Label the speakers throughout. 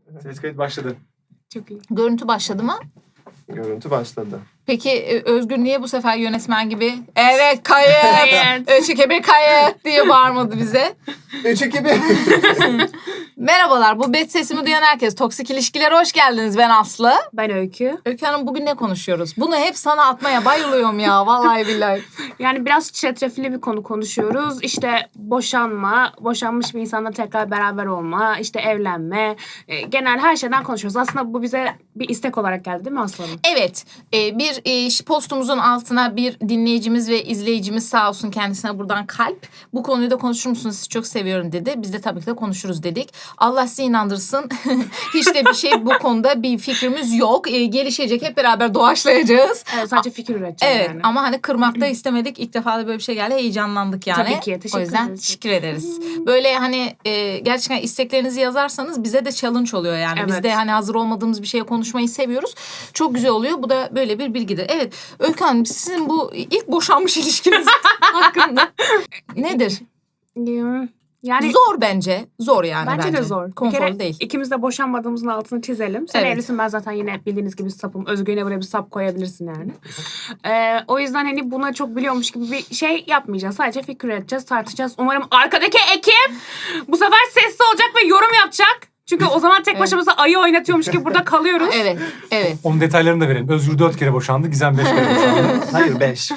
Speaker 1: Ses kayıt başladı.
Speaker 2: Çok iyi.
Speaker 3: Görüntü başladı mı?
Speaker 1: Görüntü başladı.
Speaker 3: Peki Özgür niye bu sefer yönetmen gibi evet kayıt,
Speaker 2: Evet.
Speaker 3: 3 2 1 kayıt diye bağırmadı bize?
Speaker 1: 3 2 1.
Speaker 3: Merhabalar, bu bet sesimi duyan herkes. Toksik ilişkilere hoş geldiniz. Ben Aslı.
Speaker 2: Ben Öykü.
Speaker 3: Öykü Hanım, bugün ne konuşuyoruz? Bunu hep sana atmaya bayılıyorum ya. Vallahi billahi.
Speaker 2: Yani biraz çetrefilli bir konu konuşuyoruz. İşte boşanma, boşanmış bir insanla tekrar beraber olma, işte evlenme. Genel her şeyden konuşuyoruz. Aslında bu bize bir istek olarak geldi değil mi Aslı Hanım?
Speaker 3: Evet, bir postumuzun altına bir dinleyicimiz ve izleyicimiz sağ olsun, kendisine buradan kalp. Bu konuyu da konuşur musunuz? Sizi çok seviyorum dedi. Biz de tabii ki de konuşuruz dedik. Allah sizi inandırsın. Hiç de bir şey bu konuda bir fikrimiz yok. Gelişecek, hep beraber doğaçlayacağız.
Speaker 2: Evet, sadece fikir üreteceğiz
Speaker 3: Evet
Speaker 2: yani.
Speaker 3: ama hani kırmak da istemedik. İlk defa da böyle bir şey geldi. Heyecanlandık yani.
Speaker 2: Tabii ki, teşekkür
Speaker 3: O yüzden
Speaker 2: ederiz.
Speaker 3: teşekkür ederiz. Böyle hani gerçekten isteklerinizi yazarsanız bize de challenge oluyor yani. Biz
Speaker 2: Evet.
Speaker 3: de hani hazır olmadığımız bir şeye konuşmayı seviyoruz. Çok güzel oluyor. Bu da böyle bir bilgidir. Evet Öykü Hanım, sizin bu ilk boşanmış ilişkiniz hakkında nedir?
Speaker 2: Yani
Speaker 3: Zor bence. Zor yani bence.
Speaker 2: bence de zor. Bir
Speaker 3: Konforlu
Speaker 2: kere
Speaker 3: değil.
Speaker 2: İkimiz de boşanmadığımızın altını çizelim. Sen
Speaker 3: Evet.
Speaker 2: evlisin, ben zaten yine bildiğiniz gibi sapım. Özgür'üne buraya bir sap koyabilirsin yani. O yüzden hani buna çok biliyormuş gibi bir şey yapmayacağız. Sadece fikir üreteceğiz, tartışacağız. Umarım arkadaki ekip bu sefer sesli olacak ve yorum yapacak. Çünkü o zaman tek başımıza ayı oynatıyormuş gibi burada kalıyoruz.
Speaker 3: Evet, evet.
Speaker 4: Onun detaylarını da verelim. Özgür 4 kere boşandı, Gizem 5 kere boşandı.
Speaker 1: Hayır 5.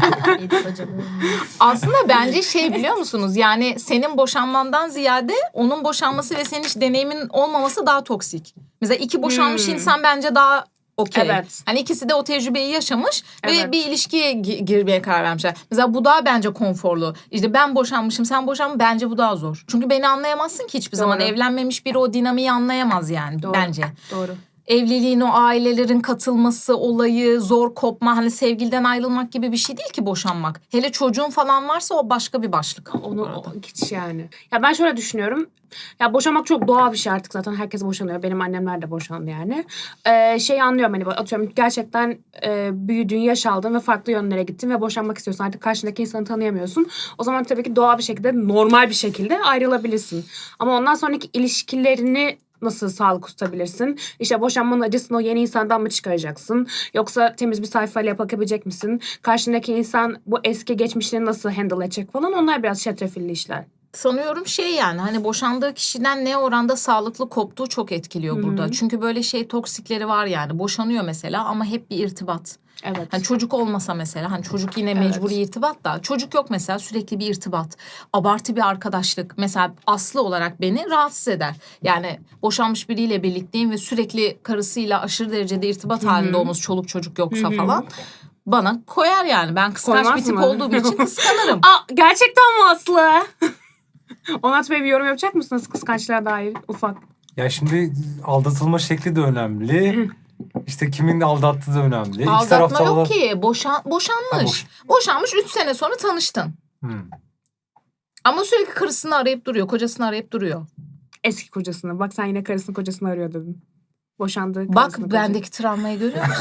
Speaker 3: Aslında bence şey, biliyor musunuz? Yani senin boşanmandan ziyade onun boşanması ve senin hiç deneyimin olmaması daha toksik. Mesela iki boşanmış insan bence daha okey.
Speaker 2: Evet.
Speaker 3: Hani ikisi de o tecrübeyi yaşamış ve
Speaker 2: Evet.
Speaker 3: bir ilişkiye girmeye karar vermişler. Mesela bu daha bence konforlu. İşte ben boşanmışım, sen boşanmışsın, bence bu daha zor. Çünkü beni anlayamazsın ki hiçbir zaman.
Speaker 2: Doğru.
Speaker 3: Evlenmemiş biri o dinamiği anlayamaz yani
Speaker 2: Doğru.
Speaker 3: bence.
Speaker 2: Doğru.
Speaker 3: Evliliğin o ailelerin katılması olayı, zor kopma, hani sevgiliden ayrılmak gibi bir şey değil ki boşanmak. Hele çocuğun falan varsa o başka bir başlık.
Speaker 2: Onu hiç yani. Ya ben şöyle düşünüyorum. Ya boşanmak çok doğal bir şey artık, zaten herkes boşanıyor. Benim annemler de boşandı yani. Şeyi anlıyorum, hani atıyorum gerçekten büyüdün, yaş aldın ve farklı yönlere gittin ve boşanmak istiyorsun. Artık karşındaki insanı tanıyamıyorsun. O zaman tabii ki doğal bir şekilde, normal bir şekilde ayrılabilirsin. Ama ondan sonraki ilişkilerini nasıl sağlık tutabilirsin? İşte boşanmanın acısını o yeni insandan mı çıkaracaksın? Yoksa temiz bir sayfayla bakabilecek misin? Karşındaki insan bu eski geçmişini nasıl handle edecek falan, onlar biraz çetrefilli işler.
Speaker 3: Sanıyorum şey, yani hani boşandığı kişiden ne oranda sağlıklı koptuğu çok etkiliyor burada. Çünkü böyle şey toksikleri var yani. Boşanıyor mesela ama hep bir irtibat.
Speaker 2: Evet.
Speaker 3: Hani çocuk olmasa mesela, hani çocuk yine mecburi irtibat da, çocuk yok mesela, sürekli bir irtibat, abartı bir arkadaşlık mesela Aslı olarak beni rahatsız eder. Yani boşanmış biriyle birlikteyim ve sürekli karısıyla aşırı derecede irtibat halinde olması, çoluk çocuk yoksa falan bana koyar yani. Ben kıskanç
Speaker 2: Koymaz
Speaker 3: bir tip
Speaker 2: mı?
Speaker 3: olduğum için kıskanırım.
Speaker 2: Gerçekten mi Aslı? Onat Bey, bir yorum yapacak mısınız kıskançlığa dair ufak?
Speaker 4: Ya şimdi aldatılma şekli de önemli. İşte kimin aldattığı da önemli. İki
Speaker 3: Aldatma
Speaker 4: tarafta
Speaker 3: yok
Speaker 4: olan-
Speaker 3: ki, boşanmış. Boşanmış 3 sene sonra tanıştın. Ama sürekli karısını arayıp duruyor, kocasını arayıp duruyor.
Speaker 2: Eski kocasını. Bak sen yine karısını kocasını arıyor dedin. Boşandığı
Speaker 3: Bak
Speaker 2: karısını kocasını.
Speaker 3: bendeki travmayı görüyor musun?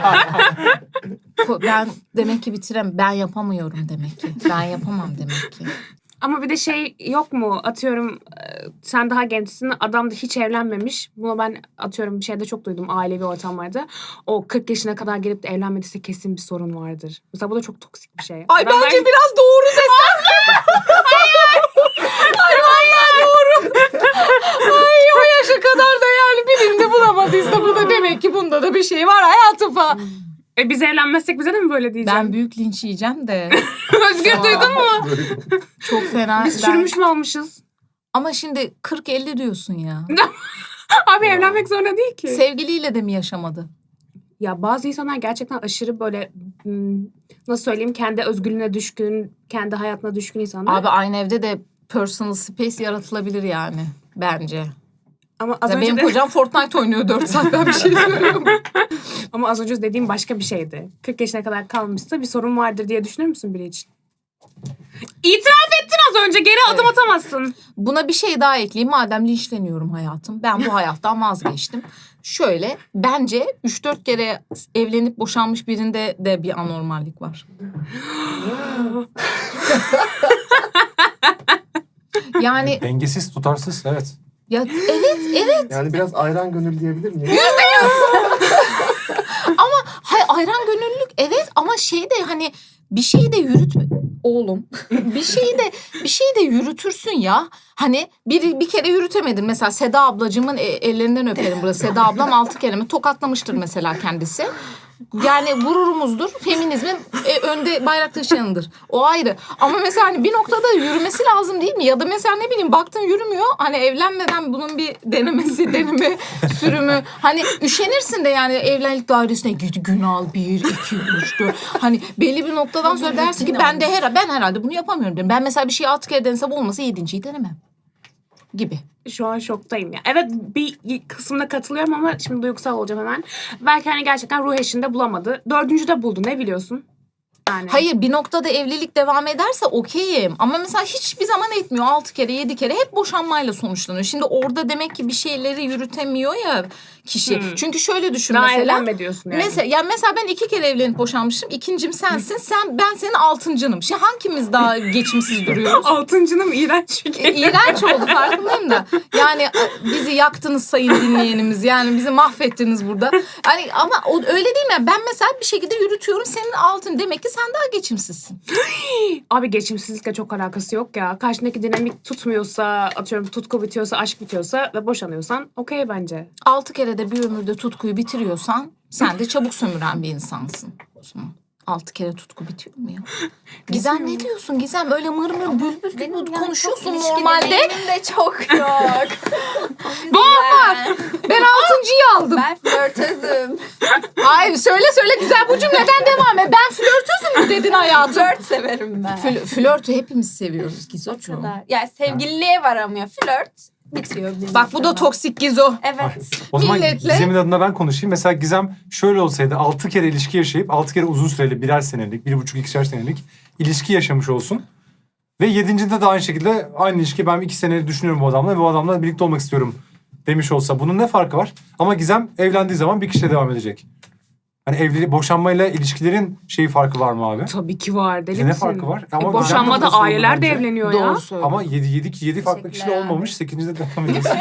Speaker 3: Ben demek ki ben yapamıyorum demek ki. Ben yapamam demek ki.
Speaker 2: Ama bir de şey yok mu? Atıyorum sen daha gençsin. Adam da hiç evlenmemiş. Bunu ben atıyorum bir şeyde çok duydum, ailevi ortamlarda. O 40 yaşına kadar gelip de evlenmediyse kesin bir sorun vardır. Mesela bu da çok toksik bir şey.
Speaker 3: Ay bence biraz doğru desem. Ay vallahi doğru. Ay o yaşa kadar da yani birinde bulamadıysa bu da demek ki bunda da bir şey var hayatım falan.
Speaker 2: Biz evlenmezsek bize de mi böyle diyeceğim?
Speaker 3: Ben büyük linç yiyeceğim de.
Speaker 2: Özgür duydun mu?
Speaker 3: Çok fena.
Speaker 2: Biz çürümüş mü almışız?
Speaker 3: Ama şimdi 40-50 diyorsun ya.
Speaker 2: Abi evlenmek zorunda değil ki.
Speaker 3: Sevgiliyle de mi yaşamadı?
Speaker 2: Ya bazı insanlar gerçekten aşırı böyle nasıl söyleyeyim, kendi özgürlüğüne düşkün, kendi hayatına düşkün insanlar.
Speaker 3: Abi aynı evde de personal space yaratılabilir yani bence.
Speaker 2: Ama az
Speaker 3: Ya
Speaker 2: önce
Speaker 3: benim
Speaker 2: de,
Speaker 3: kocam Fortnite oynuyor 4 saat, ben bir şey söylüyorum.
Speaker 2: ama az önce dediğim başka bir şeydi. 40 yaşına kadar kalmışsa bir sorun vardır diye düşünür müsün biri için? İtiraf ettin az önce, geri adım atamazsın.
Speaker 3: Buna bir şey daha ekleyeyim. Madem linçleniyorum hayatım, ben bu hayattan vazgeçtim. Şöyle, bence 3-4 kere evlenip boşanmış birinde de bir anormallik var. Yani
Speaker 4: Dengesiz, tutarsız, evet.
Speaker 3: Ya evet.
Speaker 1: Yani biraz ayran gönül diyebilir miyim?
Speaker 3: Hay ayran gönüllülük evet ama şey de hani bir şeyi de yürütme oğlum. bir şeyi de yürütürsün ya. Hani bir kere yürütemedin. Mesela Seda ablacığımın ellerinden öperim burası. Seda ablam 6 kere mi tokatlamıştır mesela kendisi. Yani gururumuzdur. Feminizmin önde bayrak taşıyanıdır. O ayrı. Ama mesela hani bir noktada yürümesi lazım değil mi? Ya da mesela ne bileyim baktın yürümüyor. Hani evlenmeden bunun bir deneme, sürümü. Hani üşenirsin de yani evlilik dairesine git gün al 1, 2, 3, 4. Hani belli bir noktadan sonra dersin ki ben herhalde bunu yapamıyorum derim. Ben mesela bir şeyi 6 kere denesem olmasa 7.'yi denemem. Gibi.
Speaker 2: Şu an şoktayım ya. Evet bir kısmına katılıyorum ama şimdi duygusal olacağım hemen. Belki hani gerçekten ruh eşinde bulamadı. 4. de buldu, ne biliyorsun? Yani.
Speaker 3: Hayır bir noktada evlilik devam ederse okeyim. Ama mesela hiçbir zaman etmiyor. 6 kere 7 kere hep boşanmayla sonuçlanıyor. Şimdi orada demek ki bir şeyleri yürütemiyor ya kişi. Çünkü şöyle düşün
Speaker 2: daha
Speaker 3: mesela.
Speaker 2: evlenme diyorsun yani.
Speaker 3: Mesela ben 2 kere evlenip boşanmışım. İkincim sensin. Ben senin 6.'nım. Şimdi hangimiz daha geçimsiz duruyoruz?
Speaker 2: 6.'nım iğrenç bir kere.
Speaker 3: İğrenç oldu farkındayım da. Yani bizi yaktınız sayın dinleyenimiz. Yani bizi mahvettiniz burada. Yani ama öyle değil mi? Ben mesela bir şekilde yürütüyorum. Senin 6'ın demek ki sen daha geçimsizsin.
Speaker 2: Abi geçimsizlikle çok alakası yok ya. Karşındaki dinamik tutmuyorsa, atıyorum tutku bitiyorsa, aşk bitiyorsa ve boşanıyorsan okey bence.
Speaker 3: 6 kere de bir ömürde tutkuyu bitiriyorsan sen de çabuk sömüren bir insansın o zaman. 6 kere tutku bitiyor mu ya? Gizem ne diyorsun Gizem? Öyle mır mır bülbül gibi konuşuyorsun normalde.
Speaker 5: Benim de çok yok.
Speaker 3: Var. Ben 6.'yı aldım.
Speaker 5: Ben flörtözüm.
Speaker 3: Ay söyle Gizem bu cümleden devam et. Ben flörtözüm mü dedin hayatım?
Speaker 5: Flört severim ben.
Speaker 3: Flörtü hepimiz seviyoruz
Speaker 5: O
Speaker 3: Gizocuğum.
Speaker 5: kadar. Yani sevgililiğe varamıyor. Flört bitiyor. bir
Speaker 3: Bak bu da
Speaker 5: noktada.
Speaker 3: toksik Gizo.
Speaker 5: Evet.
Speaker 4: O zaman
Speaker 3: Milletle-
Speaker 4: Gizem'in adına ben konuşayım. Mesela Gizem şöyle olsaydı 6 kere ilişki yaşayıp 6 kere uzun süreli 1'er senelik, 1,5-2'şer senelik ilişki yaşamış olsun. Ve 7.'de de aynı şekilde aynı ilişki ben 2 senedir düşünüyorum bu adamla ve bu adamla birlikte olmak istiyorum demiş olsa bunun ne farkı var? Ama Gizem evlendiği zaman bir kişiyle devam edecek. Hani evlilik, boşanmayla ilişkilerin farkı var mı abi?
Speaker 2: Tabii ki var, deli
Speaker 4: Ne
Speaker 2: misin?
Speaker 4: farkı var? Ama
Speaker 2: Boşanmada
Speaker 4: Gizem'de burası oldu
Speaker 2: aileler de
Speaker 4: bence.
Speaker 2: evleniyor ya.
Speaker 3: Doğru söylüyorsun.
Speaker 4: Ama 7 farklı kişiyle
Speaker 5: Teşekkürler.
Speaker 4: olmamış. 8'de devam ediyorsun.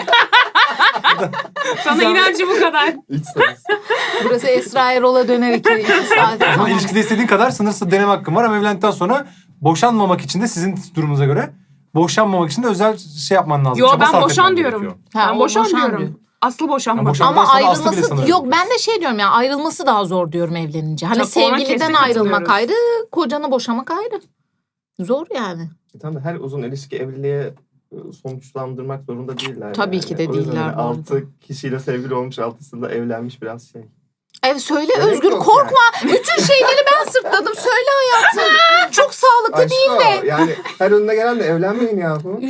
Speaker 2: Sana inancı bu kadar.
Speaker 1: İç ses.
Speaker 3: Burası Esra Erol'a döner 2 saat.
Speaker 4: Ama
Speaker 3: Tamam.
Speaker 4: ilişkide istediğin kadar sınırsız deneme hakkın var ama evlendikten sonra boşanmamak için de sizin durumunuza göre boşanmamak için de özel yapman lazım.
Speaker 2: Yo
Speaker 4: Çaba
Speaker 2: ben
Speaker 4: sarf
Speaker 2: boşan
Speaker 4: etmen
Speaker 2: diyorum.
Speaker 4: gerekiyor.
Speaker 3: Ha,
Speaker 2: Ben
Speaker 3: o
Speaker 2: boşan
Speaker 3: boşan
Speaker 2: diyorum.
Speaker 3: diyor.
Speaker 2: Aslı boşanma.
Speaker 4: Ya boşan-
Speaker 3: Ama
Speaker 4: Ondan sonra Aslı bile
Speaker 3: ayrılması
Speaker 4: sanırım.
Speaker 3: yok ben de diyorum ya ayrılması daha zor diyorum evlenince. Hani
Speaker 2: Tabii, ona
Speaker 3: sevgiliden
Speaker 2: kesin
Speaker 3: ayrılmak
Speaker 2: katılıyoruz.
Speaker 3: ayrı, kocanı boşamak ayrı. Zor yani.
Speaker 1: Tamam da her uzun ilişki evliliğe sonuçlandırmak zorunda değiller.
Speaker 3: Tabii ki de
Speaker 1: O yüzden
Speaker 3: değiller
Speaker 1: hani
Speaker 3: bu arada.
Speaker 1: 6 kişiyle sevgili olmuş, 6'sında evlenmiş biraz şey.
Speaker 3: Evet söyle
Speaker 1: Gerek
Speaker 3: Özgür
Speaker 1: yok
Speaker 3: korkma. Bütün şeyleri ben sırtladım. Söyle hayatım. Çok sağlıklı
Speaker 1: Aşk
Speaker 3: değil
Speaker 1: o.
Speaker 3: de.
Speaker 1: Yani her önüne gelenle evlenmeyin yahu.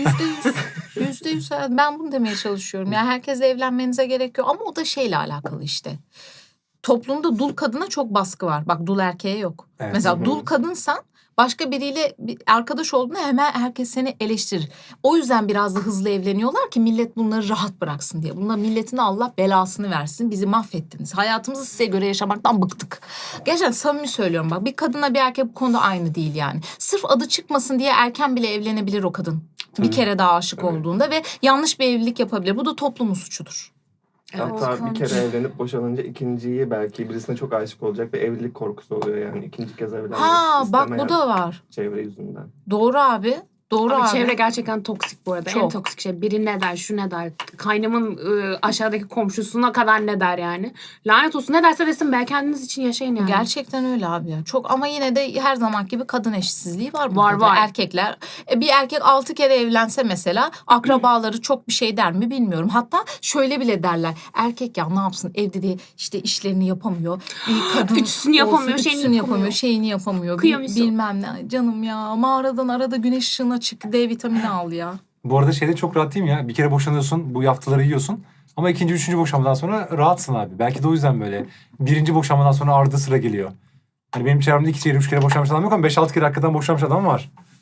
Speaker 3: %100 evet. Ben bunu demeye çalışıyorum. Yani herkesle evlenmenize gerek yok. Ama o da şeyle alakalı işte. Toplumda dul kadına çok baskı var. Bak dul erkeğe yok.
Speaker 4: Evet.
Speaker 3: Mesela
Speaker 1: Hı hı.
Speaker 3: dul kadınsan başka biriyle bir arkadaş olduğunda hemen herkes seni eleştirir. O yüzden biraz da hızlı evleniyorlar ki millet bunları rahat bıraksın diye. Bunlar milletin Allah belasını versin. Bizi mahvettiniz. Hayatımızı size göre yaşamaktan bıktık. Gerçekten samimi söylüyorum bak. Bir kadınla bir erkek bu konuda aynı değil yani. Sırf adı çıkmasın diye erken bile evlenebilir o kadın. Bir kere daha aşık olduğunda ve yanlış bir evlilik yapabilir. Bu da toplumun suçudur.
Speaker 1: Hatta bir
Speaker 5: korkunç.
Speaker 1: kere evlenip boşanınca ikinciyi belki birisine çok aşık olacak ve evlilik korkusu oluyor yani. İkinci kez evlenmek
Speaker 3: Ha bak
Speaker 1: istemeyen
Speaker 3: bu da var.
Speaker 1: çevre yüzünden.
Speaker 3: Doğru abi. Doğru
Speaker 2: Abi
Speaker 3: abi.
Speaker 2: çevre gerçekten toksik bu arada. En
Speaker 3: Çok.
Speaker 2: toksik şey. Biri ne der, şu ne der. Kaynımın aşağıdaki komşusuna kadar ne der yani. Lanet olsun, ne derse desin be, kendiniz için yaşayın yani.
Speaker 3: Gerçekten öyle abi ya. Çok ama yine de her zaman gibi kadın eşitsizliği var.
Speaker 2: Var,
Speaker 3: burada.
Speaker 2: var.
Speaker 3: Erkekler bir erkek 6 kere evlense mesela akrabaları çok bir şey der mi bilmiyorum. Hatta şöyle bile derler. Erkek ya ne yapsın evde de işte işlerini yapamıyor. Bir kadın
Speaker 2: Ütüsünü yapamıyor,
Speaker 3: olsun,
Speaker 2: şeyini
Speaker 3: ütüsünü
Speaker 2: yapamıyor.
Speaker 3: şeyini yapamıyor.
Speaker 2: Kıyamıyorsun.
Speaker 3: Bilmem ne. Canım ya mağaradan arada güneş ışığına çık D vitamini al ya.
Speaker 4: Bu arada çok rahat değil mi ya? Bir kere boşanıyorsun, bu yaftaları yiyorsun. Ama ikinci, üçüncü boşanmadan sonra rahatsın abi. Belki de o yüzden böyle. Birinci boşanmadan sonra ardı sıra geliyor. Hani benim çevremde 2 kere, 3 kere boşanmış adam yok ama 5-6 kere hakikaten boşanmış adam var.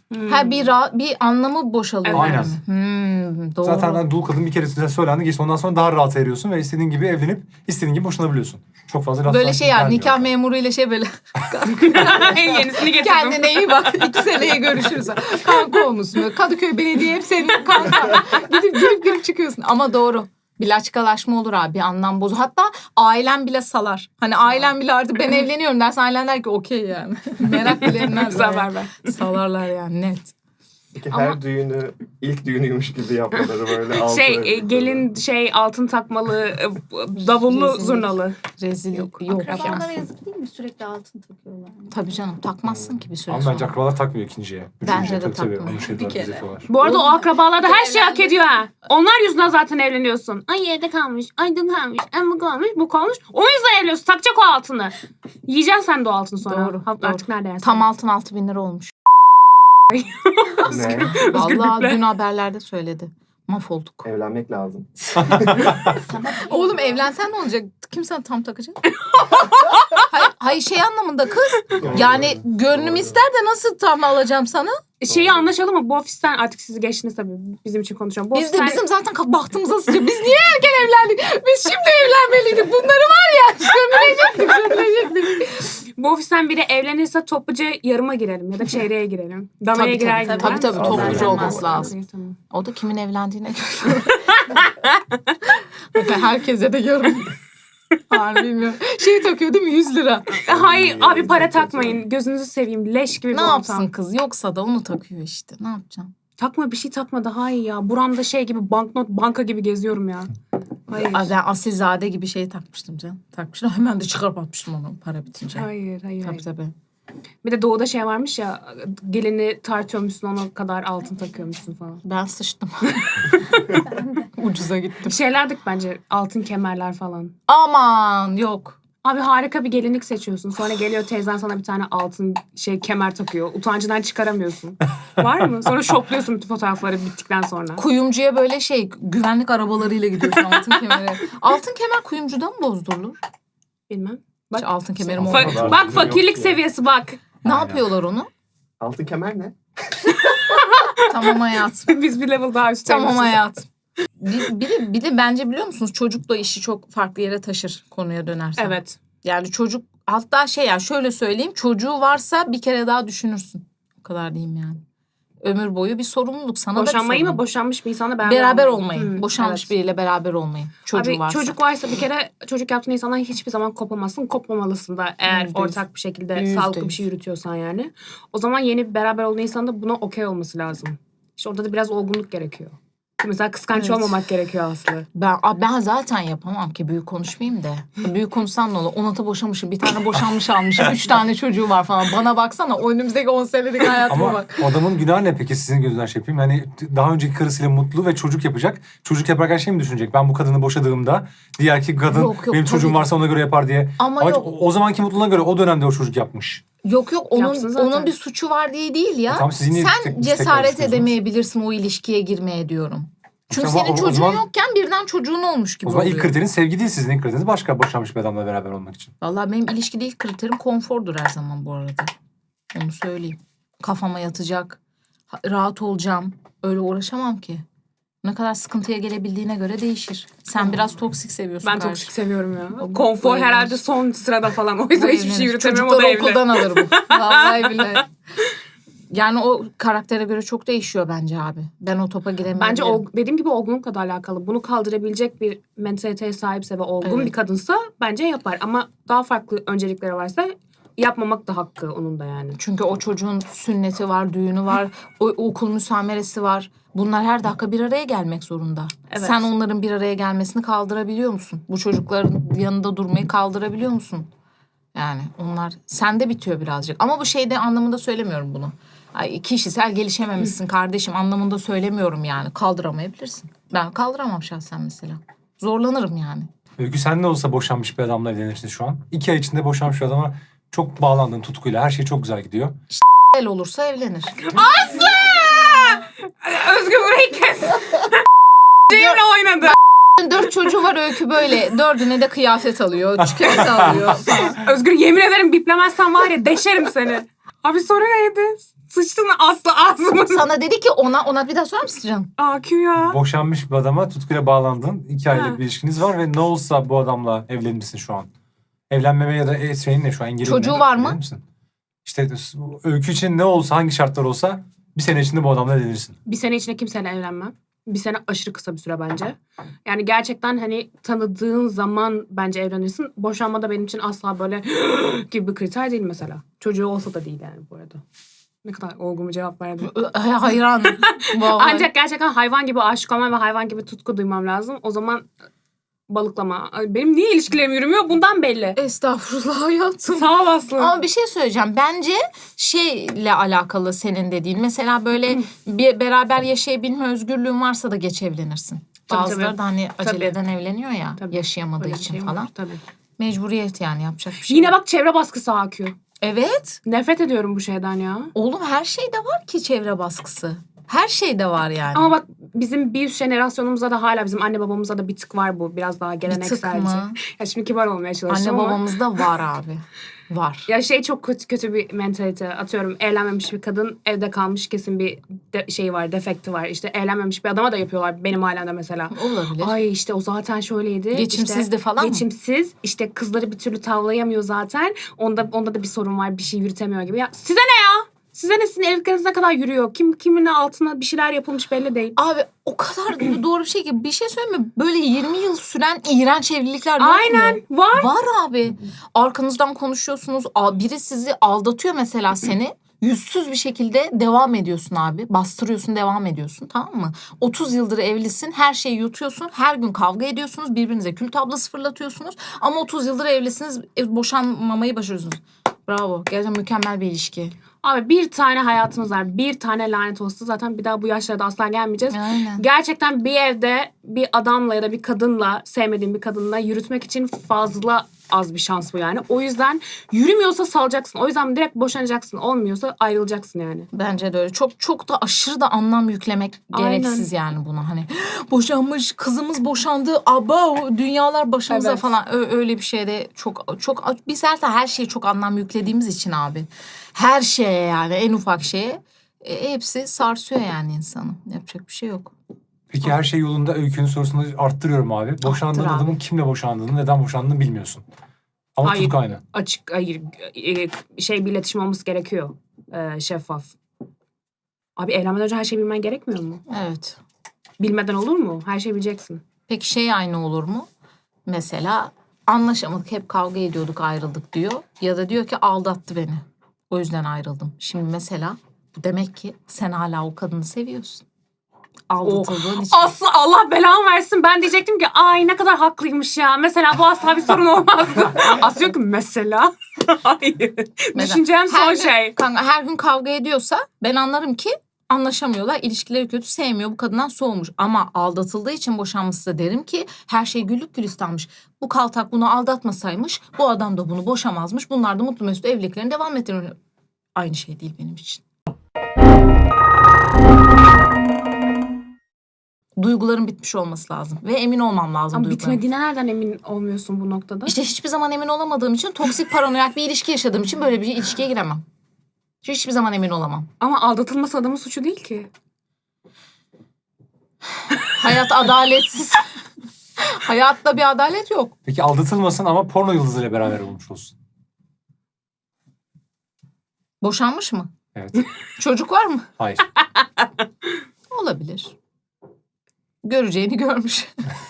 Speaker 3: Ha bir anlamı boşalıyor.
Speaker 2: Evet.
Speaker 3: Aynen. Doğru.
Speaker 4: Zaten hani dul kadın bir kere size söylendi. Geçti ondan sonra daha rahat eriyorsun ve istediğin gibi evlenip istediğin gibi boşanabiliyorsun. Çok fazla laf
Speaker 3: Böyle
Speaker 4: sanki
Speaker 3: şey yani
Speaker 4: gelmiyor.
Speaker 3: nikah memuruyla şey böyle
Speaker 2: Yenisini getirdim.
Speaker 3: kendine iyi bak 2 seneye görüşürüz. Kanka olmuşsun. Böyle Kadıköy Belediye hep senin kanka. Gidip çıkıyorsun. Ama doğru. Bir laçkalaşma olur abi. Bir anlam bozu. Hatta ailen bile salar. Hani ailen bile artık ben evleniyorum dersen ailen der ki okey yani. Merak bile etmezler.
Speaker 2: Güzel
Speaker 3: yani.
Speaker 2: haber ver.
Speaker 3: Salarlar yani net.
Speaker 1: Peki her düğünü ilk düğünüymüş gibi yapmaları böyle altı
Speaker 2: Gelin altın takmalı, davullu,
Speaker 3: Rezillik.
Speaker 2: zurnalı.
Speaker 3: Rezil yok.
Speaker 5: Akrabalara
Speaker 3: Ya.
Speaker 5: yazık değil mi? Sürekli altın takıyorlar.
Speaker 3: Tabii canım takmazsın ki bir süre
Speaker 4: Ama
Speaker 3: sonra.
Speaker 4: bence akrabalar takmıyor ikinciye.
Speaker 3: Bence
Speaker 4: Üçüncüye
Speaker 3: de
Speaker 4: tabii
Speaker 3: takmıyor.
Speaker 4: onu şey
Speaker 5: Bir
Speaker 4: diyorlar,
Speaker 5: kere.
Speaker 4: yapıyorlar.
Speaker 2: Bu arada o akrabalar da her şeyi hak
Speaker 5: Evlendim.
Speaker 2: ediyor ha. Onlar yüzünden zaten evleniyorsun. Ay yerde kalmış, ay dün kalmış, ay bu kalmış, bu kalmış. O yüzden evleniyorsun. Takacak o altını. Yiyeceksin sen de o altını sonra.
Speaker 3: Doğru,
Speaker 2: Artık nerede yersin?
Speaker 3: Tam altın 6.000 lira olmuş.
Speaker 1: Ne?
Speaker 3: Vallahi dün haberlerde söyledi. Mahvolduk.
Speaker 1: Evlenmek lazım.
Speaker 3: Oğlum evlensen ne olacak? Kim sana tam takacak? hayır şey anlamında kız. Yani gönlüm ister de nasıl tam alacağım sana?
Speaker 2: Şeyi anlaşalım mı? Bu ofisten artık sizi geçtiniz tabii. Bizim için konuşuyorum. Bu
Speaker 3: Biz de
Speaker 2: ofisten-
Speaker 3: bizim zaten bahtımıza sıçıyor. Biz niye erken evlendik? Biz şimdi evlenmeliydik. Bunları var ya sömürecektik.
Speaker 2: Bu ofisten biri evlenirse topluca yarıma girelim ya da çeyreğe girelim. Danaya
Speaker 3: Tabii,
Speaker 2: girer
Speaker 3: tabii,
Speaker 2: gibi.
Speaker 3: tabii, tabii,
Speaker 1: topluca
Speaker 3: olması
Speaker 1: olması
Speaker 3: lazım.
Speaker 2: İyi, tamam.
Speaker 3: O da kimin evlendiğine göre. Herkese de yorum. Harbi bilmiyorum. Şey takıyor değil mi? 100 lira.
Speaker 2: Hayır abi para takmayın. Gözünüzü seveyim. Leş gibi bir
Speaker 3: Ne
Speaker 2: ortam.
Speaker 3: yapsın kız? Yoksa da onu takıyor işte. Ne yapacaksın?
Speaker 2: Takma bir şey takma daha iyi ya. Buramda şey gibi banknot banka gibi geziyorum ya. Hayır.
Speaker 3: Ay, ben asilzade gibi şey takmıştım canım. Takmıştım. Hemen de çıkarıp atmıştım onu para bitince.
Speaker 2: Hayır.
Speaker 3: Tabii tabii.
Speaker 2: Bir de doğuda şey varmış ya. Gelini tartıyormuşsun ona kadar altın takıyormuşsun falan.
Speaker 3: Ben sıçtım. Ucuza gittim.
Speaker 2: Şeylerdik bence altın kemerler falan.
Speaker 3: Aman yok.
Speaker 2: Abi harika bir gelinlik seçiyorsun. Sonra geliyor teyzen sana bir tane altın kemer takıyor. Utancından çıkaramıyorsun. Var mı? Sonra şokluyorsun bütün fotoğrafları bittikten sonra.
Speaker 3: Kuyumcuya böyle şey güvenlik arabalarıyla gidiyorsun altın kemeri. Altın kemer kuyumcudan mı bozdurulur?
Speaker 2: Bilmem.
Speaker 3: Hiç altın kemerim
Speaker 1: Fa-
Speaker 3: olmadı.
Speaker 1: kadar
Speaker 2: Bak
Speaker 1: yok
Speaker 2: fakirlik
Speaker 1: ya.
Speaker 2: seviyesi bak.
Speaker 3: Ne
Speaker 4: Aynen.
Speaker 3: yapıyorlar onu?
Speaker 1: Altın kemer ne?
Speaker 3: Tamam hayatım.
Speaker 2: Biz bir level daha üstteymişiz.
Speaker 3: Tamam hayatım. Bir de bence biliyor musunuz çocukla işi çok farklı yere taşır konuya dönersen.
Speaker 2: Evet.
Speaker 3: Yani çocuk hatta şey ya şöyle söyleyeyim çocuğu varsa bir kere daha düşünürsün. O kadar diyeyim yani. Ömür boyu bir sorumluluk sana
Speaker 2: Boşanmayı
Speaker 3: da bir
Speaker 2: mı?
Speaker 3: sorumluluk.
Speaker 2: Boşanmış bir insanla beraber,
Speaker 3: Beraber olmayı.
Speaker 2: Hı,
Speaker 3: Boşanmış
Speaker 2: evet.
Speaker 3: biriyle beraber olmayı. Çocuğu
Speaker 2: Abi
Speaker 3: varsa.
Speaker 2: çocuk varsa bir kere çocuk yaptığın insandan hiçbir zaman kopamazsın. Kopmamalısın da eğer
Speaker 3: %100.
Speaker 2: ortak bir şekilde
Speaker 3: %100.
Speaker 2: sağlıklı bir şey yürütüyorsan yani. O zaman yeni beraber olduğun insanın da buna okey olması lazım. İşte orada da biraz olgunluk gerekiyor. Mesela kıskanç
Speaker 3: Evet.
Speaker 2: olmamak gerekiyor Aslı.
Speaker 3: Ben zaten yapamam ki büyük konuşmayayım da. Büyük konuşsam ne olur? 10 boşamışım. Bir tane boşanmış almışım. 3 tane çocuğu var falan. Bana baksana o önümüzdeki 10 senelik hayatıma
Speaker 4: Ama
Speaker 3: bak.
Speaker 4: adamın günahı ne peki sizin gözünden şey yapayım? Yani daha önceki karısıyla mutlu ve çocuk yapacak. Çocuk yaparken şey mi düşünecek? Ben bu kadını boşadığımda diğer ki kadın
Speaker 3: Yok,
Speaker 4: benim
Speaker 3: tabii
Speaker 4: çocuğum
Speaker 3: ki.
Speaker 4: varsa ona göre yapar diye.
Speaker 3: Ama
Speaker 4: Ama
Speaker 3: yok.
Speaker 4: o zamanki mutluluğuna göre o dönemde o çocuk yapmış.
Speaker 3: Yok
Speaker 2: Yapsın zaten.
Speaker 3: onun bir suçu var diye değil ya.
Speaker 4: Tamam, siz niye
Speaker 3: Sen
Speaker 4: tekrar
Speaker 3: cesaret
Speaker 4: düşünüyorsunuz?
Speaker 3: edemeyebilirsin o ilişkiye girmeye diyorum. Çünkü
Speaker 4: Ama
Speaker 3: senin
Speaker 4: o
Speaker 3: çocuğun
Speaker 4: zaman-
Speaker 3: yokken birden çocuğun olmuş gibi
Speaker 4: O zaman
Speaker 3: oluyor.
Speaker 4: ilk kriterin sevgi değil, sizin ilk kriteriniz başka boşanmış bir adamla beraber olmak için.
Speaker 3: Vallahi benim ilişkide ilk kriterim konfordur her zaman bu arada. Onu söyleyeyim. Kafama yatacak, rahat olacağım. Öyle uğraşamam ki. Ne kadar sıkıntıya gelebildiğine göre değişir. Sen biraz toksik seviyorsun.
Speaker 2: Ben
Speaker 3: karşı.
Speaker 2: toksik seviyorum ya.
Speaker 3: Bu
Speaker 2: Konfor
Speaker 3: evlenir.
Speaker 2: herhalde son sırada falan. O yüzden
Speaker 3: Bu
Speaker 2: hiçbir şey
Speaker 3: evlenir.
Speaker 2: yürütemiyorum. O da
Speaker 3: Çocukları
Speaker 2: evli.
Speaker 3: okuldan alır bu. Vallahi billahi. Yani o karaktere göre çok değişiyor bence abi. Ben o topa giremeyebilirim.
Speaker 2: Bence dediğim gibi olgunlukla da alakalı. Bunu kaldırabilecek bir mentaliteye sahipse ve olgun
Speaker 3: Evet.
Speaker 2: bir kadınsa bence yapar. Ama daha farklı öncelikleri varsa yapmamak da hakkı onun da yani.
Speaker 3: Çünkü o çocuğun sünneti var, düğünü var, o okul müsameresi var. Bunlar her dakika bir araya gelmek zorunda.
Speaker 2: Evet.
Speaker 3: Sen onların bir araya gelmesini kaldırabiliyor musun? Bu çocukların yanında durmayı kaldırabiliyor musun? Yani onlar sende bitiyor birazcık. Ama bu şeyde anlamında söylemiyorum bunu. Ay, kişisel gelişememişsin kardeşim anlamında söylemiyorum yani. Kaldıramayabilirsin. Ben kaldıramam şahsen mesela. Zorlanırım yani.
Speaker 4: Öykü sen ne olsa boşanmış bir adamla evlenirsin şu an. 2 ay içinde boşanmış bir adama çok bağlandın tutkuyla. Her şey çok güzel gidiyor.
Speaker 3: El olursa evlenir.
Speaker 2: Özgür burayı kes. Cem'le oynadı.
Speaker 3: 4 çocuğu var Öykü böyle. 4'üne de kıyafet alıyor, çikolata alıyor falan.
Speaker 2: Özgür yemin ederim biplemezsen var ya deşerim seni. Abi soru neydi? Sıçtın mı Aslı ağzıma?
Speaker 3: Sana dedi ki ona bir daha sorar mısın canım?
Speaker 2: AQ ya.
Speaker 4: Boşanmış bir adama tutkuyla bağlandın. 2 aylık
Speaker 2: Ha.
Speaker 4: bir ilişkiniz var ve ne olsa bu adamla evlenirsin şu an. Evlenmeme ya da şeyin ne şu an? Engelin
Speaker 3: Çocuğu
Speaker 4: ne?
Speaker 3: var mı?
Speaker 4: Evlenir misin? İşte Öykü için ne olsa, hangi şartlar olsa bir sene içinde bu adamla evlenirsin.
Speaker 2: Bir sene içinde kimseyle evlenmem. Bir sene aşırı kısa bir süre bence. Yani gerçekten hani tanıdığın zaman bence evlenirsin. Boşanma da benim için asla böyle gibi bir kriter değil mesela. Çocuğu olsa da değil yani bu arada. Ne kadar olgun bir cevap verdim.
Speaker 3: Hayranım. Vallahi.
Speaker 2: Ancak gerçekten hayvan gibi aşık olmam ve hayvan gibi tutku duymam lazım. O zaman balıklama. Ay, benim niye ilişkilerim yürümüyor bundan belli.
Speaker 3: Estağfurullah hayatım.
Speaker 2: Sağ ol Aslı.
Speaker 3: Ama bir şey söyleyeceğim. Bence şeyle alakalı senin dediğin. Mesela böyle bir beraber yaşayabilme özgürlüğün varsa da geç evlenirsin.
Speaker 2: Tabii,
Speaker 3: Bazıları
Speaker 2: tabii.
Speaker 3: da hani
Speaker 2: Tabii.
Speaker 3: aceleden evleniyor ya.
Speaker 2: Tabii.
Speaker 3: Yaşayamadığı
Speaker 2: Öyle bir
Speaker 3: için
Speaker 2: şey var,
Speaker 3: falan.
Speaker 2: tabii.
Speaker 3: Mecburiyet yani yapacak bir şey
Speaker 2: Yine
Speaker 3: yok.
Speaker 2: bak çevre baskısı AQ.
Speaker 3: Evet.
Speaker 2: Nefret ediyorum bu şeyden ya.
Speaker 3: Oğlum her şeyde var ki çevre baskısı. Her şeyde var yani.
Speaker 2: Ama bak bizim bir üst jenerasyonumuzda da hala bizim anne babamızda da bir tık var bu. Biraz daha
Speaker 3: bir tık
Speaker 2: gelenekselce.
Speaker 3: mı?
Speaker 2: Ya şimdi kibar olmaya
Speaker 3: Anne
Speaker 2: çalışıyorum ama.
Speaker 3: babamızda var abi. Var.
Speaker 2: Ya şey çok kötü bir mentalite. Atıyorum evlenmemiş bir kadın evde kalmış kesin bir şey var, defekti var. İşte evlenmemiş bir adama da yapıyorlar benim ailemde mesela.
Speaker 3: Olabilir.
Speaker 2: Ay işte o zaten şöyleydi.
Speaker 3: Geçimsizdi
Speaker 2: işte,
Speaker 3: falan mı?
Speaker 2: Geçimsiz. İşte kızları bir türlü tavlayamıyor zaten. Onda da bir sorun var. Bir şey yürütemiyor gibi. Ya size ne ya? Size ne, sizin evlilikleriniz ne kadar yürüyor? Kimin altına bir şeyler yapılmış belli değil.
Speaker 3: Abi o kadar doğru bir şey ki bir şey söyleyeyim mi? Böyle 20 yıl süren iğrenç evlilikler yok mu?
Speaker 2: Aynen var.
Speaker 3: Var abi. Arkanızdan konuşuyorsunuz. Biri sizi aldatıyor mesela seni. Yüzsüz bir şekilde devam ediyorsun abi. Bastırıyorsun, devam ediyorsun, tamam mı? 30 yıldır evlisin, her şeyi yutuyorsun. Her gün kavga ediyorsunuz, birbirinize kül tablası fırlatıyorsunuz. Ama 30 yıldır evlisiniz, boşanmamayı başarıyorsunuz. Bravo. Gerçekten mükemmel bir ilişki.
Speaker 2: Abi bir tane hayatımız var. Bir tane lanet olsun. Zaten bir daha bu yaşlarda asla gelmeyeceğiz.
Speaker 3: Aynen.
Speaker 2: Gerçekten bir evde bir adamla ya da bir kadınla, sevmediğin bir kadınla yürütmek için fazla az bir şans bu yani. O yüzden yürümüyorsa salacaksın. O yüzden direkt boşanacaksın. Olmuyorsa ayrılacaksın yani.
Speaker 3: Bence de öyle. Çok da aşırı da anlam yüklemek
Speaker 2: Aynen.
Speaker 3: gereksiz yani buna. Hani boşanmış, kızımız boşandı. Aba dünyalar başımıza
Speaker 2: Evet.
Speaker 3: falan. Öyle bir şeyde çok biz her şeye çok anlam yüklediğimiz için abi. Her şeye yani en ufak şeye hepsi sarsıyor yani insanı. Yapacak bir şey yok.
Speaker 4: Peki her şey yolunda, Öykü'nün sorusunu arttırıyorum abi. Boşandığın
Speaker 3: Arttır abi.
Speaker 4: adamın kimle boşandığını, neden boşandığını bilmiyorsun. Ama
Speaker 2: Hayır.
Speaker 4: tutku aynı.
Speaker 2: Hayır. Bir iletişim olması gerekiyor. Şeffaf. Abi evlenmeden önce her şeyi bilmen gerekmiyor mu?
Speaker 3: Evet.
Speaker 2: Bilmeden olur mu? Her şeyi bileceksin.
Speaker 3: Peki şey aynı olur mu? Mesela anlaşamadık, hep kavga ediyorduk, ayrıldık diyor. Ya da diyor ki aldattı beni. O yüzden ayrıldım. Şimdi mesela bu demek ki sen hala o kadını seviyorsun. Aldatıldığın için.
Speaker 2: Aslı Allah belamı versin. Ben diyecektim ki ay ne kadar haklıymış ya. Mesela bu asla bir sorun olmazdı. Aslı diyor ki mesela. Hayır.
Speaker 3: Mesela
Speaker 2: Düşüneceğim son
Speaker 3: her gün-
Speaker 2: şey.
Speaker 3: Kanka her gün kavga ediyorsa ben anlarım ki anlaşamıyorlar. İlişkileri kötü, sevmiyor, bu kadından soğumuş. Ama aldatıldığı için boşanmışsa da derim ki her şey güllük gülistanmış. Bu kaltak bunu aldatmasaymış, bu adam da bunu boşamazmış. Bunlar da mutlu mesut evliliklerini devam ettirir. Aynı şey değil benim için. Duyguların bitmiş olması lazım ve emin olmam lazım
Speaker 2: Ama
Speaker 3: duygularım.
Speaker 2: bitmediğine nereden emin olmuyorsun bu noktada?
Speaker 3: İşte hiçbir zaman emin olamadığım için, toksik paranoyak bir ilişki yaşadığım için böyle bir ilişkiye giremem. Hiçbir zaman emin olamam.
Speaker 2: Ama aldatılması adamın suçu değil ki.
Speaker 3: Hayat adaletsiz. Hayatta bir adalet yok.
Speaker 4: Peki aldatılmasın ama porno yıldızıyla beraber olmuş olsun.
Speaker 3: Boşanmış mı?
Speaker 4: Evet.
Speaker 3: Çocuk var mı?
Speaker 4: Hayır.
Speaker 3: Olabilir. Göreceğini görmüş.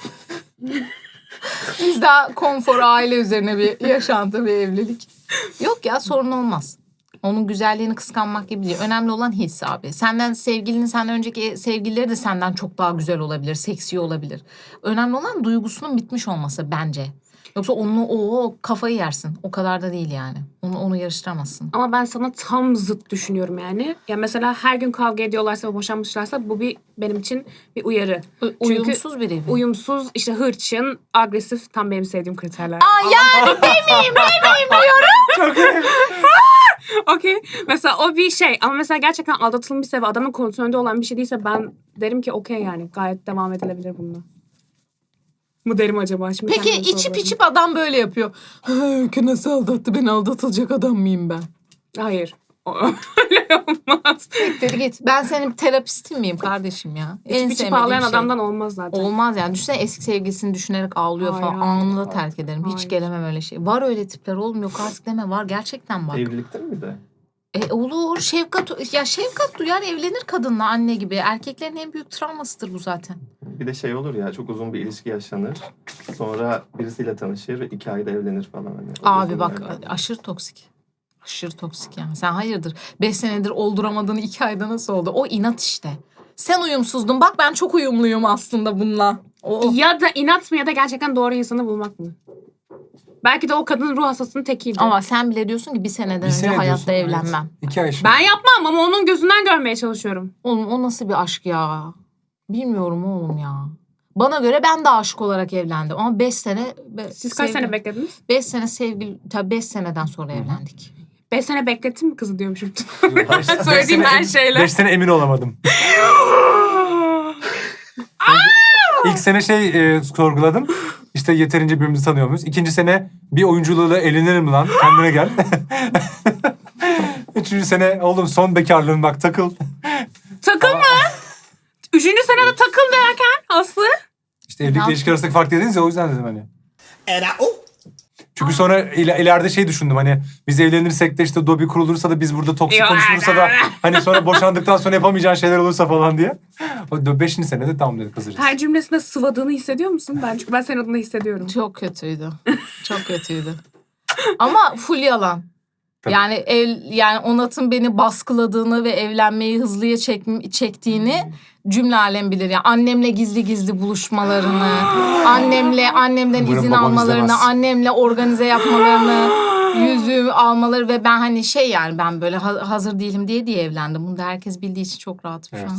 Speaker 3: Biz daha konfor, aile üzerine bir yaşantı, bir evlilik. Yok ya, sorun olmaz. Onun güzelliğini kıskanmak gibi değil. Önemli olan his abi. Senden önceki sevgilileri de senden çok daha güzel olabilir, seksi olabilir. Önemli olan duygusunun bitmiş olması bence. Yoksa onunla kafayı yersin. O kadar da değil yani. Onu yarıştıramazsın.
Speaker 2: Ama ben sana tam zıt düşünüyorum yani. Ya mesela her gün kavga ediyorlarsa ve boşanmışlarsa bu benim için bir uyarı.
Speaker 3: Uyumsuz biri.
Speaker 2: Uyumsuz, işte hırçın, agresif, tam benim sevdiğim kriterler.
Speaker 3: Yani demeyeyim diyorum.
Speaker 2: Okey. Mesela o bir şey. Ama mesela gerçekten aldatılmışsa ve adamın kontrolünde olan bir şey değilse ben derim ki okey yani. Gayet devam edilebilir bununla. Mı derim acaba? Şimdi
Speaker 3: Peki
Speaker 2: kendime
Speaker 3: içip
Speaker 2: sorguladım.
Speaker 3: içip adam böyle yapıyor. Öykü nasıl aldattı? Ben aldatılacak adam mıyım ben?
Speaker 2: Hayır. Öyle olmaz.
Speaker 3: Siktir git. Ben senin terapistin miyim kardeşim ya?
Speaker 2: İçip içip
Speaker 3: sevmediğim
Speaker 2: ağlayan
Speaker 3: şey.
Speaker 2: adamdan olmaz zaten.
Speaker 3: Olmaz yani. Düşünsene eski sevgilisini düşünerek ağlıyor
Speaker 2: Hayır,
Speaker 3: falan.
Speaker 2: hayır,
Speaker 3: Anında
Speaker 2: hayır.
Speaker 3: terk ederim. Hiç
Speaker 2: Hayır.
Speaker 3: gelemem öyle şey. Var öyle tipler oğlum. Yok artık deme. Var. Gerçekten var.
Speaker 1: Evlilikte mi de?
Speaker 3: Olur. Şefkat duyar, evlenir kadınla, anne gibi. Erkeklerin en büyük travmasıdır bu zaten.
Speaker 1: Bir de şey olur ya, çok uzun bir ilişki yaşanır. Sonra birisiyle tanışır ve 2 ayda evlenir falan. Hani o
Speaker 3: Abi
Speaker 1: uzun
Speaker 3: bak
Speaker 1: yerden.
Speaker 3: aşırı toksik. Aşırı toksik yani. Sen hayırdır? 5 senedir olduramadığın 2 ayda nasıl oldu? O inat işte. Sen uyumsuzdun. Bak ben çok uyumluyum aslında bununla. O.
Speaker 2: Ya da inat mı ya da gerçekten doğru insanı bulmak mı? Belki de o kadının ruh hastasının tekiydi.
Speaker 3: Ama sen bile diyorsun ki bir seneden
Speaker 4: Bir
Speaker 3: önce
Speaker 4: sene
Speaker 3: hayatta
Speaker 4: diyorsun,
Speaker 3: evlenmem.
Speaker 4: Evet. 2 ay şimdi.
Speaker 2: Ben yapmam ama onun gözünden görmeye çalışıyorum.
Speaker 3: Oğlum o nasıl bir aşk ya? Bilmiyorum oğlum ya. Bana göre ben de aşık olarak evlendim. Ama 5 sene...
Speaker 2: Siz kaç sene beklediniz?
Speaker 3: 5 sene sevgili... Tabii 5 seneden sonra evlendik.
Speaker 2: 5 sene beklettin mi kızı diyormuşum.
Speaker 4: Beş
Speaker 2: Söylediğim
Speaker 4: sene
Speaker 2: her şeyle.
Speaker 4: 5 sene emin olamadım. İlk sene sorguladım. İşte yeterince birbirimizi tanıyor muyuz? 2. sene bir oyunculuğuyla eğlenirim lan. Kendine gel. 3. sene oğlum son bekarlığın bak takıl.
Speaker 2: Takılma. 3. senede takıl derken Aslı.
Speaker 4: İşte evlilikle ilişki arasındaki fark dediniz ya, o yüzden dedim hani.
Speaker 6: Era o.
Speaker 4: Çünkü sonra ileride şey düşündüm, hani biz evlenirsek de işte Dobby kurulursa da biz burada toksik konuşulursa da hani sonra boşandıktan sonra yapamayacağın şeyler olursa falan diye. O 5. senede tamam dedi kızırız.
Speaker 2: Her cümlesinde sıvadığını hissediyor musun? Çünkü ben senin adına hissediyorum.
Speaker 3: Çok kötüydü. Çok kötüydü. Ama full yalan.
Speaker 4: Tabii.
Speaker 3: Yani Onat'ın beni baskıladığını ve evlenmeyi hızlıya çektiğini cümle alem bilir. Yani annemle gizli gizli buluşmalarını, annemden
Speaker 4: Umarım
Speaker 3: izin
Speaker 4: babam
Speaker 3: almalarını,
Speaker 4: izlemez.
Speaker 3: annemle organize yapmalarını, yüzüğü almaları ve ben hani yani ben böyle hazır değilim diye evlendim. Bunu da herkes bildiği için çok rahatım
Speaker 4: Evet.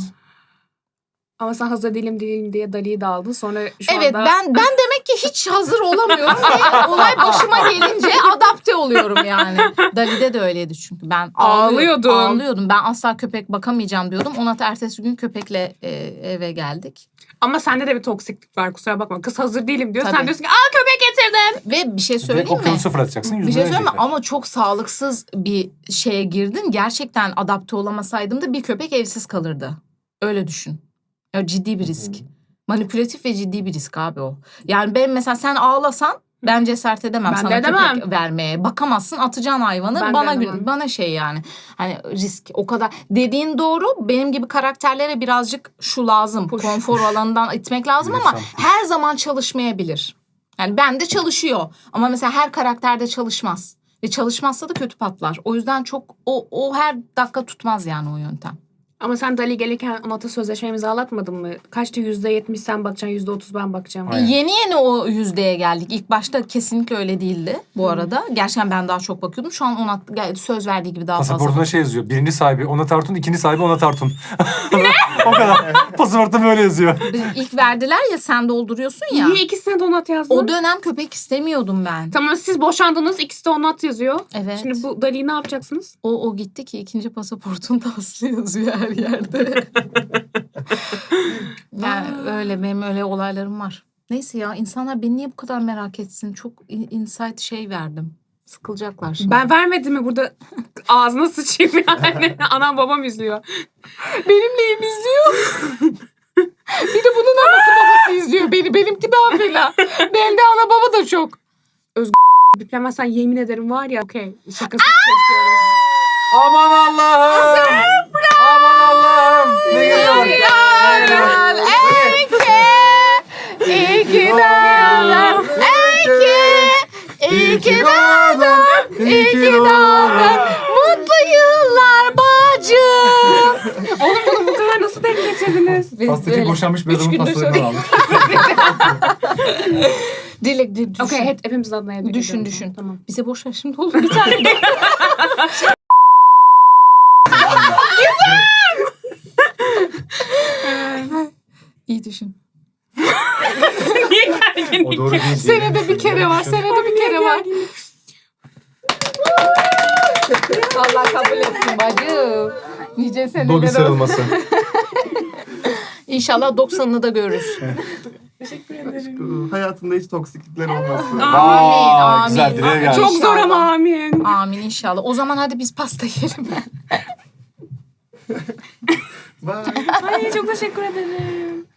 Speaker 3: şu an.
Speaker 2: Ama sen hazır değilim diye Dali'yi de aldın. Sonra şu
Speaker 3: Evet
Speaker 2: anda...
Speaker 3: ben demek ki hiç hazır olamıyorum ve olay başıma gelince adapte oluyorum yani. Dali'de de öyleydi çünkü ben
Speaker 2: Ağlıyordun.
Speaker 3: ağlıyordum. Ben asla köpek bakamayacağım diyordum. Onat ertesi gün köpekle eve geldik.
Speaker 2: Ama sende de bir toksiklik var, kusura bakma. Kız hazır değilim diyor.
Speaker 3: Tabii.
Speaker 2: sen diyorsun ki köpek getirdim.
Speaker 3: Ve bir şey
Speaker 4: Direkt
Speaker 3: söyleyeyim mi?
Speaker 4: okyanusu fırlatacaksın.
Speaker 3: Bir
Speaker 4: yüzüne
Speaker 3: şey söyleyeyim mi?
Speaker 4: verecekler.
Speaker 3: Ama çok sağlıksız bir şeye girdin. Gerçekten adapte olamasaydım da bir köpek evsiz kalırdı. Öyle düşün. Ya ciddi bir risk. Manipülatif ve ciddi bir risk abi o. Yani ben mesela sen ağlasan ben cesaret edemem
Speaker 2: Ben
Speaker 3: sana
Speaker 2: de edemem.
Speaker 3: köpek vermeye. Bakamazsın, atacaksın hayvanı.
Speaker 2: Ben de edemem.
Speaker 3: Bana şey yani. Hani risk o kadar. Dediğin doğru. Benim gibi karakterlere birazcık şu lazım.
Speaker 2: Push.
Speaker 3: Konfor alanından itmek lazım ama
Speaker 4: Lütfen.
Speaker 3: her zaman çalışmayabilir. Yani bende çalışıyor. Ama mesela her karakterde çalışmaz. Ve çalışmazsa da kötü patlar. O yüzden çok o her dakika tutmaz yani o yöntem.
Speaker 2: Ama sen Dali gelirken Onat'a sözleşme imzalatmadın mı? Kaçtı? %70 sen bakacaksın, %30 ben bakacağım.
Speaker 4: Aynen.
Speaker 3: Yeni o yüzdeye geldik. İlk başta kesinlikle öyle değildi bu arada. Gerçekten ben daha çok bakıyordum. Şu an Onat söz verdiği gibi daha fazla.
Speaker 4: Pasaportuna şey yazıyor. 1. sahibi Onat Artun, 2. sahibi Onat Artun. O kadar. Pasaportta böyle yazıyor.
Speaker 3: İlk verdiler ya sen dolduruyorsun ya.
Speaker 2: Niye ikisine de Onat yazdın?
Speaker 3: O dönem köpek istemiyordum ben.
Speaker 2: Tamam, siz boşandınız, ikisi de Onat yazıyor.
Speaker 3: Evet.
Speaker 2: Şimdi bu Dali'yi ne yapacaksınız?
Speaker 3: O gitti ki ikinci pasaportunda Aslı yazıyor her yerde. Yani öyle benim öyle olaylarım var. Neyse ya insanlar beni niye bu kadar merak etsin? Çok insight şey verdim. Sıkılacaklar şimdi.
Speaker 2: Ben vermedim mi burada ağzına sıçayım yani. Anam babam izliyor.
Speaker 3: Benim neyim izliyor? Bir de bunun anası babası izliyor beni. Benimki daha fena. Bende ana baba da çok.
Speaker 2: Biplemezsen yemin ederim var ya. Okey. Şakasını kesiyoruz.
Speaker 4: Aman Allah'ım. Aman Allah'ım. Ne geliyor?
Speaker 3: İki dağlar, iki dağlar, mutlu yıllar bacım.
Speaker 2: Oğlum bunu bu kadar nasıl denk getirdiniz?
Speaker 4: Pastacı boşanmış bir adamın pastalarından aldık.
Speaker 3: Dilek düşün.
Speaker 2: Okey, hepimizin adına yedik.
Speaker 3: Düşün.
Speaker 2: Tamam.
Speaker 3: Bize boş ver şimdi oğlum bir tane daha. İyi düşün.
Speaker 2: Niye gerginlik?
Speaker 1: O doğru değil.
Speaker 3: Senede bir kere var. Allah kabul etsin bacım. Nice
Speaker 1: Dobby
Speaker 3: seneler olsun.
Speaker 1: sarılması.
Speaker 3: İnşallah 90'ını da görürüz.
Speaker 2: Teşekkür ederim.
Speaker 1: Hayatında hiç toksiklikler olmasın.
Speaker 3: Amin,
Speaker 4: güzel,
Speaker 3: amin.
Speaker 4: dileğe geldik.
Speaker 2: Çok zor ama
Speaker 3: İnşallah.
Speaker 2: amin.
Speaker 3: Amin inşallah. O zaman hadi biz pasta yiyelim.
Speaker 1: Bye.
Speaker 2: Ay çok teşekkür ederim.